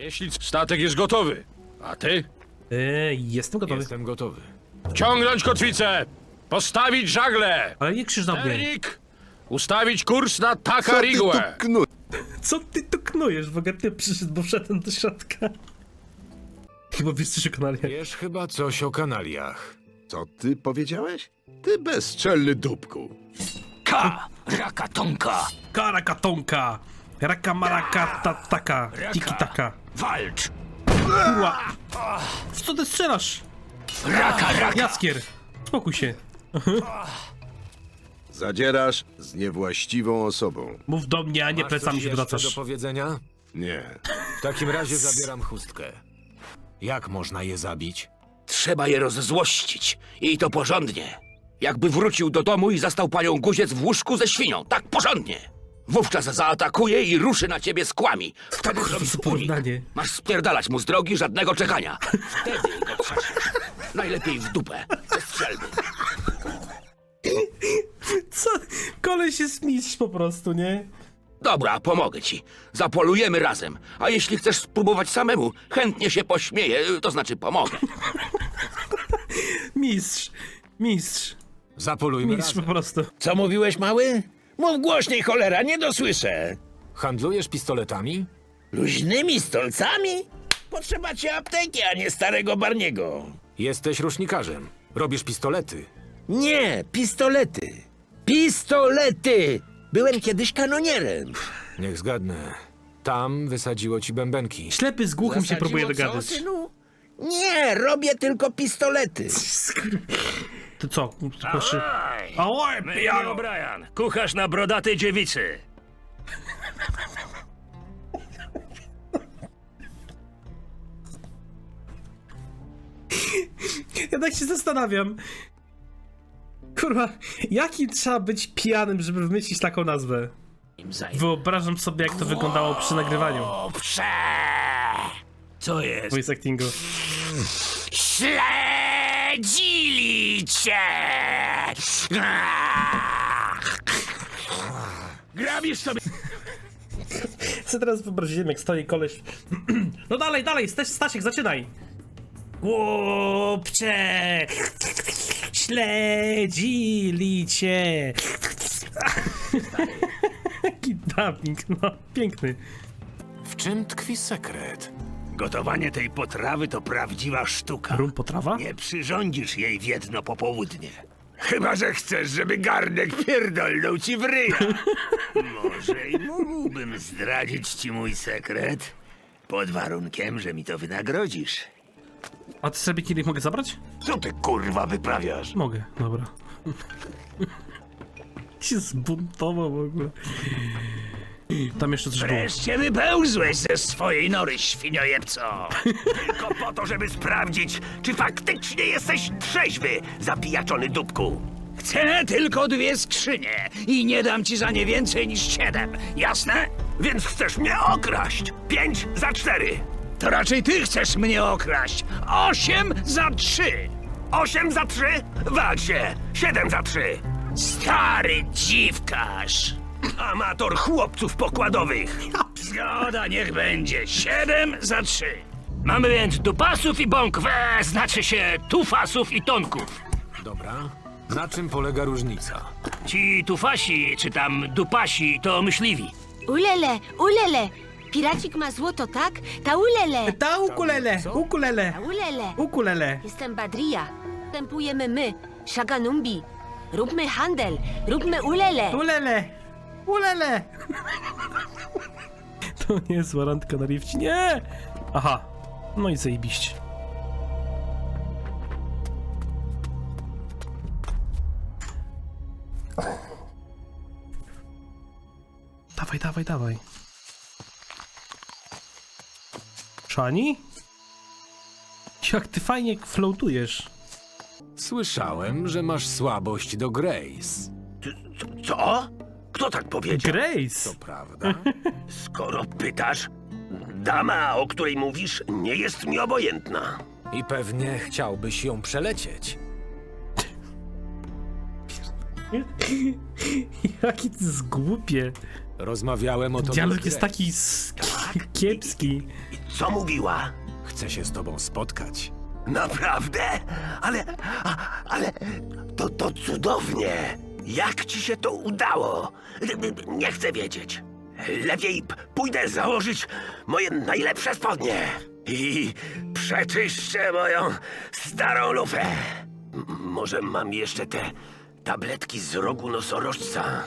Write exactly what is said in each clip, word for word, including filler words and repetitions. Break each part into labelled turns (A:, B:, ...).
A: Jeśli statek jest gotowy, a ty?
B: Eee, jestem gotowy.
C: Jestem gotowy.
A: Ciągnąć kotwicę! Postawić żagle!
B: Ale nie krzyż na mnie.
A: Erik! Ustawić kurs na
D: Co ty tu
A: Takarigłę!
D: knu...
B: Co ty tu knujesz? W ogóle ty przyszedł, bo wszedłem do środka. Chyba wiesz coś o kanaliach.
C: Wiesz chyba coś o kanaliach.
D: Co ty powiedziałeś? Ty bezczelny dupku.
E: Ka! Rakatonka!
B: Karakatonka! Raka maraka ta taka! Tiki taka!
E: Walcz!
B: Kurwa! W co ty strzelasz?
E: Raka, raka!
B: Jaskier! Spokój się.
D: Zadzierasz z niewłaściwą osobą.
B: Mów do mnie, a nie
C: Masz
B: plecami
C: coś
B: się
C: jeszcze
B: wracasz.
C: do powiedzenia?
D: Nie.
C: W takim razie zabieram chustkę. Jak można je zabić?
E: Trzeba je rozzłościć. I to porządnie. Jakby wrócił do domu i zastał panią Guziec w łóżku ze świnią. Tak porządnie. Wówczas zaatakuje i ruszy na ciebie z kłami. Wtedy
B: kurwa,
E: zrobisz
B: co
E: unik.
B: porównanie.
E: Masz spierdalać mu z drogi, żadnego czekania. Wtedy go trzasiesz. Najlepiej w dupę. Ze strzelby.
B: Co? Koleś jest mistrz po prostu, nie?
E: Dobra, pomogę ci. Zapolujemy razem. A jeśli chcesz spróbować samemu, chętnie się pośmieję, to znaczy pomogę.
B: Mistrz. Mistrz.
C: Zapolujmy
B: Mistrz po
C: razem.
B: prostu.
F: Co mówiłeś, mały? Mów głośniej, cholera, nie dosłyszę.
C: Handlujesz pistoletami?
F: Luźnymi stolcami? Potrzeba ci apteki, a nie starego Barniego.
C: Jesteś rusznikarzem. Robisz pistolety.
F: Nie, pistolety. Pistolety! Byłem kiedyś kanonierem.
C: Niech zgadnę. Tam wysadziło ci bębenki.
B: Ślepy z głuchym się
F: Zasadziło
B: próbuje
F: co,
B: dogadać.
F: synu? Nie, robię tylko pistolety.
B: To co? Proszę. Ałaj,
G: My i O'Brien, kucharz na brodatej dziewicy.
B: Ja tak się zastanawiam. Kurwa, jaki trzeba być pijanym, żeby wymyślić taką nazwę? Wyobrażam sobie, jak to wyglądało przy nagrywaniu
E: Owsze!
G: Co jest?
B: voice actingu.
E: Śledzili cię!
G: Grabisz sobie...
B: Co teraz wyobraziłem, jak stoi koleś. No dalej, dalej, Staś, Stasiek, zaczynaj! Głupcze! Śledzili cię! Jaki dubbing, no, piękny.
C: W czym tkwi sekret?
G: Gotowanie tej potrawy to prawdziwa sztuka.
B: Rum potrawa?
G: Nie przyrządzisz jej w jedno popołudnie. Chyba że chcesz, żeby garnek pierdolnął ci w ryja. Może i mógłbym zdradzić ci mój sekret, pod warunkiem, że mi to wynagrodzisz.
B: A ty sobie kielich mogę zabrać?
G: Co ty kurwa wyprawiasz?
B: Mogę, dobra. się zbuntował w ogóle. Tam jeszcze coś było.
G: Wreszcie wypełzłeś ze swojej nory, świniojebco! Tylko po to, żeby sprawdzić, czy faktycznie jesteś trzeźwy, zapijaczony dupku. Chcę tylko dwie skrzynie i nie dam ci za nie więcej niż siedem, jasne? Więc chcesz mnie okraść. Pięć za cztery. To raczej ty chcesz mnie okraść. Osiem za trzy. Osiem za trzy? Walcz się. Siedem za trzy. Stary dziwkarz. Amator chłopców pokładowych. Zgoda, niech będzie. Siedem za trzy. Mamy więc dupasów i bąkwe, znaczy się tufasów i tonków.
C: Dobra. Na czym polega różnica?
G: Ci tufasi, czy tam dupasi, to myśliwi.
H: Ulele, ulele! Piracik ma złoto, tak? Ta ulele!
B: Ta ukulele, ukulele,
H: Ta ulele!
B: ukulele.
H: Jestem Badria. Wstępujemy my, Shaganumbi. Róbmy handel, róbmy ulele!
B: Ulele, ulele. To nie jest randka na rifcie, nie! Aha, no i zajebiście. Dawaj, dawaj, dawaj. Szani? Jak ty fajnie floatujesz.
C: Słyszałem, że masz słabość do Grace.
G: Co? Kto tak powiedział?
B: Grace!
C: To prawda?
G: Skoro pytasz, dama, o której mówisz, nie jest mi obojętna.
C: I pewnie chciałbyś ją przelecieć.
B: Jaki ty zgłupie.
C: Rozmawiałem o tobie z
B: Dialog jest
C: Grace.
B: taki s- kiepski.
G: I Co mówiła?
C: Chcę się z tobą spotkać.
G: Naprawdę? Ale, a, ale to, to cudownie. Jak ci się to udało? Nie chcę wiedzieć. Lepiej p- pójdę założyć moje najlepsze spodnie i przeczyszczę moją starą lufę. M- może mam jeszcze te tabletki z rogu nosorożca?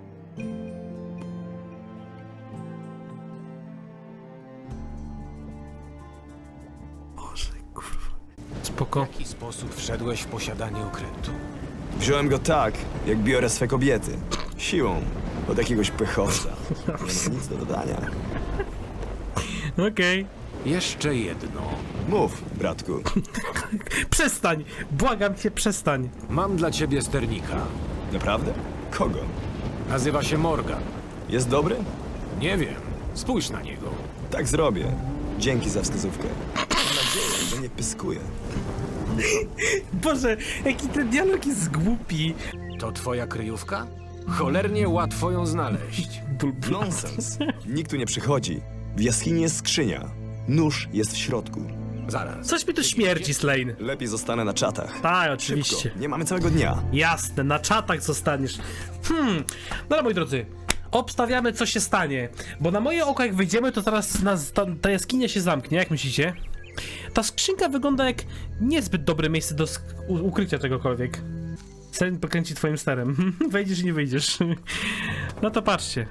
B: Spoko.
C: W jaki sposób wszedłeś w posiadanie okrętu?
I: Wziąłem go tak, jak biorę swe kobiety. Siłą. Od jakiegoś pechowca. Nie mam nic do dodania.
B: Okej.
C: Jeszcze jedno.
I: Mów, bratku.
B: Przestań! Błagam cię, przestań.
C: Mam dla ciebie sternika.
I: Naprawdę? Kogo?
C: Nazywa się Morgan.
I: Jest dobry?
C: Nie wiem. Spójrz na niego.
I: Tak zrobię. Dzięki za wskazówkę. Mam nadzieję, że nie pyskuje.
B: Boże, jaki ten dialog jest głupi.
C: To twoja kryjówka? Cholernie łatwo ją znaleźć.
I: Nonsens. Nikt tu nie przychodzi. W jaskini jest skrzynia. Nóż jest w środku.
C: Zaraz.
B: Coś mi tu śmierdzi, Slane.
I: Lepiej zostanę na czatach.
B: Tak, oczywiście.
I: Szybko. Nie mamy całego dnia.
B: Jasne, na czatach zostaniesz. Hmm, no moi drodzy, obstawiamy co się stanie, bo na moje oko jak wyjdziemy, to zaraz nas, ta, ta jaskinia się zamknie, jak myślicie? Ta skrzynka wygląda jak niezbyt dobre miejsce do sk- u- ukrycia czegokolwiek. Sen pokręci twoim sterem. Wejdziesz i nie wyjdziesz. No to patrzcie.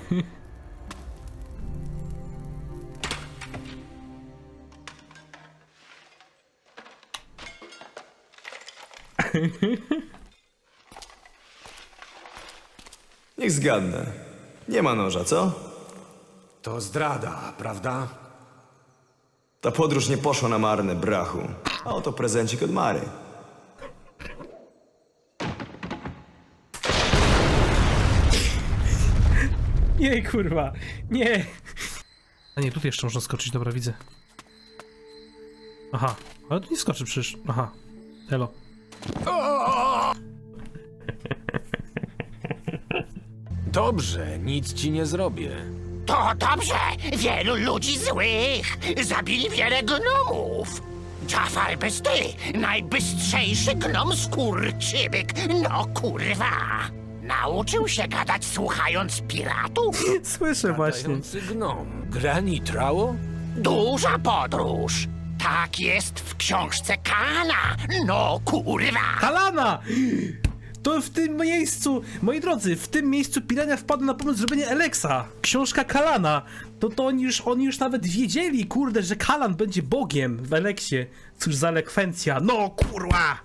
I: Niech zgadnę. Nie ma noża, co?
C: To zdrada, prawda?
I: Ta podróż nie poszła na marne, brachu. A oto prezencik od Mary.
B: Nie, kurwa, nie. A nie, tutaj jeszcze można skoczyć, dobra, widzę. Aha, ale tu nie skoczy przecież. Aha, elo.
C: Dobrze, nic ci nie zrobię.
F: To dobrze! Wielu ludzi złych! Zabili wiele gnomów! Jafar Bysty! Najbystrzejszy gnom skurczybyk! No kurwa! Nauczył się gadać słuchając piratów?
B: Słyszę właśnie.
C: Dający gnom. Granitrało?
F: Duża podróż! Tak jest w książce Kana! No kurwa!
B: Kalana! To w tym miejscu, moi drodzy, w tym miejscu Pirania wpadł na pomysł zrobienia Eleksa. Książka Kalana. To to oni już, oni już nawet wiedzieli, kurde, że Kalan będzie bogiem w Eleksie. Cóż za elekwencja. No kurwa!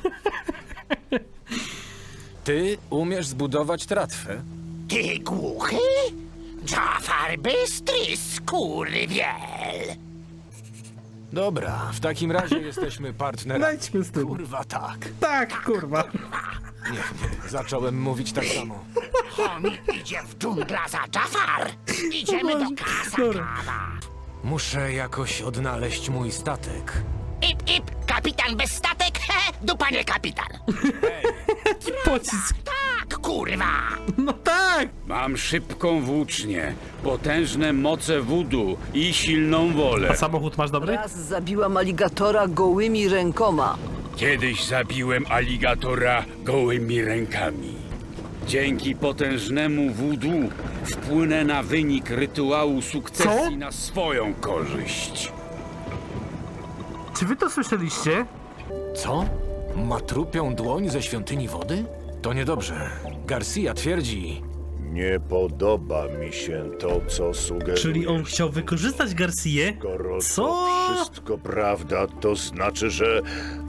C: Ty umiesz zbudować tratwę?
F: Ty głuchy? Jafar Bystry skurwiel!
C: Dobra, w takim razie jesteśmy partnerami.
B: Lejdźmy z tym.
C: Kurwa tak.
B: Tak, kurwa.
C: Nie, nie, zacząłem mówić tak samo.
F: Chomik idzie w dżungla za Jafar! Idziemy do Kasakawa!
C: Muszę jakoś odnaleźć mój statek.
F: Ip, ip, kapitan bez statek? He, dupa nie kapitan!
B: Pocisk.
F: Tak, kurwa!
B: No tak!
A: Mam szybką włócznię, potężne moce wudu i silną wolę.
B: A samochód masz dobry?
J: Raz zabiłam aligatora gołymi rękoma.
A: Kiedyś zabiłem aligatora gołymi rękami. Dzięki potężnemu wudu wpłynę na wynik rytuału sukcesji
B: Co?
A: na swoją korzyść.
B: Czy wy to słyszeliście?
C: Co? Ma trupią dłoń ze świątyni wody? To niedobrze. Garcia twierdzi...
D: Nie podoba mi się to, co sugerujesz.
B: Czyli on chciał wykorzystać Garcię?
D: Skoro
B: Co?
D: to wszystko prawda, to znaczy, że...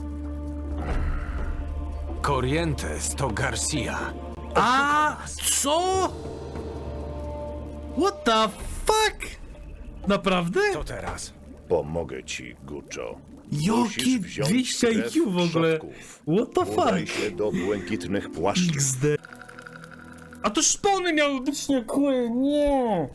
C: Corrientes to Garcia.
B: A co? What the fuck? Naprawdę?
C: Co teraz?
D: Pomogę ci, Guccio.
B: Jakie
D: Musisz wziąć
B: dwieście I
D: krew
B: Q w ogóle?
D: przodków.
B: What the
D: Udaj
B: fuck?
D: się do błękitnych płaszczów.
B: X D. A to szpony miały być nie kły, nie!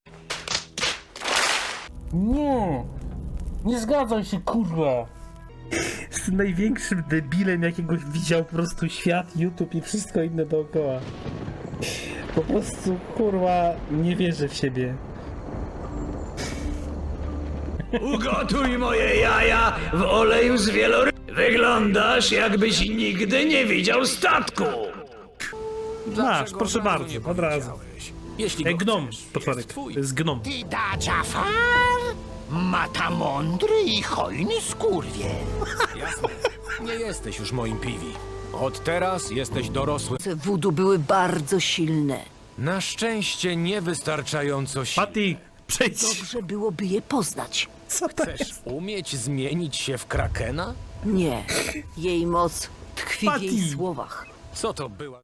B: Nie! Nie zgadzam się, kurwa! Jestem największym debilem, jakiego widział po prostu świat, YouTube i wszystko inne dookoła. Po prostu, kurwa, nie wierzę w siebie.
G: Ugotuj moje jaja w oleju z wielory... Wyglądasz, jakbyś nigdy nie widział statku.
B: Masz, proszę
C: od razu
B: bardzo,
C: nie
B: od razu.
C: powiedziałeś? Jeśli
B: Ej,
C: go
B: gnom,
C: chcesz,
B: potworek.
C: jest twój.
B: To jest gnom.
F: Ty da Jafar? Mata mądry i hojny skurwie.
C: Jasne. Nie jesteś już moim piwi. Od teraz jesteś dorosły.
J: Moce wudu były bardzo silne.
C: Na szczęście niewystarczająco silny.
B: Patty, przejdź.
J: Dobrze byłoby je poznać.
B: Co to
C: Chcesz
B: jest?
C: umieć zmienić się w krakena?
J: Nie. Jej moc tkwi w jej
B: Patty.
J: słowach.
C: Co to była?